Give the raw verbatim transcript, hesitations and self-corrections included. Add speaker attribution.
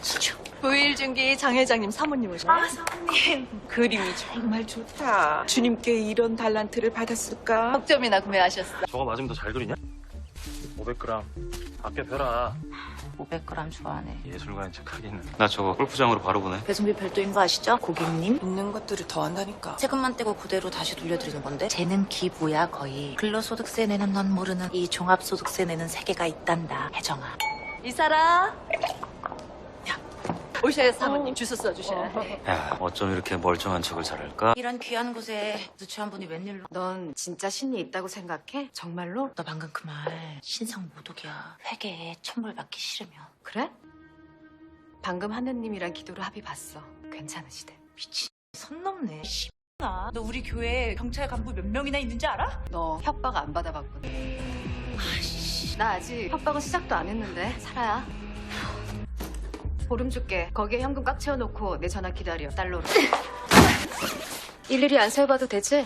Speaker 1: 부일중기 장 회장님 사모님 오셨네.
Speaker 2: 아, 사모님.
Speaker 3: 그림이 정말 좋다. 주님께 이런 달란트를 받았을까?
Speaker 1: 석 점이나 구매하셨어.
Speaker 4: 저거 맞으면 더 잘 그리냐? 오백 그램 아껴 펴라.
Speaker 2: 오백 그램 좋아하네.
Speaker 4: 예술가인 척 하기는. 나 저거 골프장으로 바로 보내.
Speaker 2: 배송비 별도인 거 아시죠? 고객님.
Speaker 3: 있는 것들을 더 한다니까.
Speaker 2: 세금만 떼고 그대로 다시 돌려드리는 건데 쟤는 기부야 거의. 근로소득세 내는 넌 모르는 이 종합소득세 내는 세계가 있단다. 혜정아.
Speaker 1: 이사라. 오셔야 사모님 주소 써주셔야 돼.
Speaker 4: 야, 어쩜 이렇게 멀쩡한 척을 잘할까?
Speaker 2: 이런 귀한 곳에 누추한 분이 웬일로.
Speaker 5: 넌 진짜 신이 있다고 생각해? 정말로?
Speaker 2: 너 방금 그 말 신성 모독이야. 회계에 천벌받기 싫으면.
Speaker 5: 그래? 방금 하느님이랑 기도로 합의 봤어. 괜찮으시대.
Speaker 2: 미친 선 넘네. 씨나. 너 우리 교회에 경찰 간부 몇 명이나 있는지 알아?
Speaker 5: 너 협박 안 받아봤구나. 아이씨. 나 아직 협박은 시작도 안 했는데. 살아야. 보름 줄게. 거기에 현금 꽉 채워놓고 내 전화 기다려. 달러로. 일일이 안 세워봐도 되지?